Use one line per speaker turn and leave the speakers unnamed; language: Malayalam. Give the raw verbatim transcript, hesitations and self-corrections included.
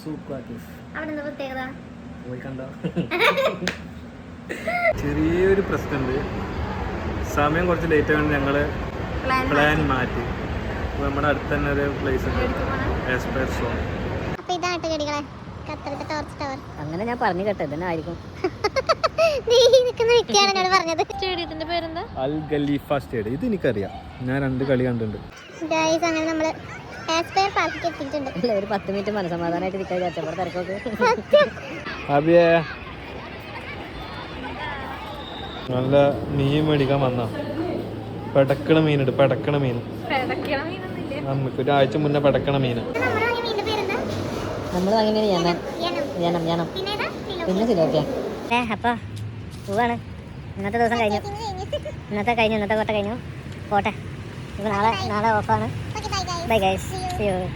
ചെറിയൊരു പ്രശ്നമുണ്ട്. സമയം കുറച്ച് ലേറ്റ് ആയതുകൊണ്ട് ഞങ്ങള് പ്ലാൻ മാറ്റി. നമ്മുടെ അടുത്ത് തന്നെ ഒരു പ്ലേസ് ഉണ്ട്, എസ്പെർസോ.
അങ്ങനെ ഞാൻ പറഞ്ഞു കേട്ടോ, ഇതന്നെ ആയിരിക്കും.
സ്റ്റേഡിയത്തിന്റെ പേരെന്താ?
Al Khalifa stadium. ഇത് എനിക്കറിയാം, ഞാൻ രണ്ട് കളി കണ്ടിട്ടുണ്ട്.
ഒരു പത്ത് മിനിറ്റ് മനസ്സമാധാനമായിട്ട് നിൽക്കാൻ വിചാരിച്ചപ്പോൾ തിരക്കൊക്കെ.
അബിയേ നല്ല മീൻ മേടിക്കാൻ വന്ന പെടക്കണ മീനുണ്ട്, പെടക്കണ മീൻ. നമുക്ക് ഒരാഴ്ച മുന്നേ പെടക്കണ മീൻ
നമ്മൾ വാങ്ങിയ മീൻ യമൻ യനം യനം പിന്നെ സിലോപ്പിയ. ഏ അപ്പോൾ പോവാണ്. ഇന്നത്തെ ദിവസം കഴിഞ്ഞു, ഇന്നത്തെ കഴിഞ്ഞു ഇന്നത്തെ കോട്ട കഴിഞ്ഞു. പോട്ടെ, ഇപ്പോൾ നാളെ നാളെ ഓഫാണ്. Bye guys, see U.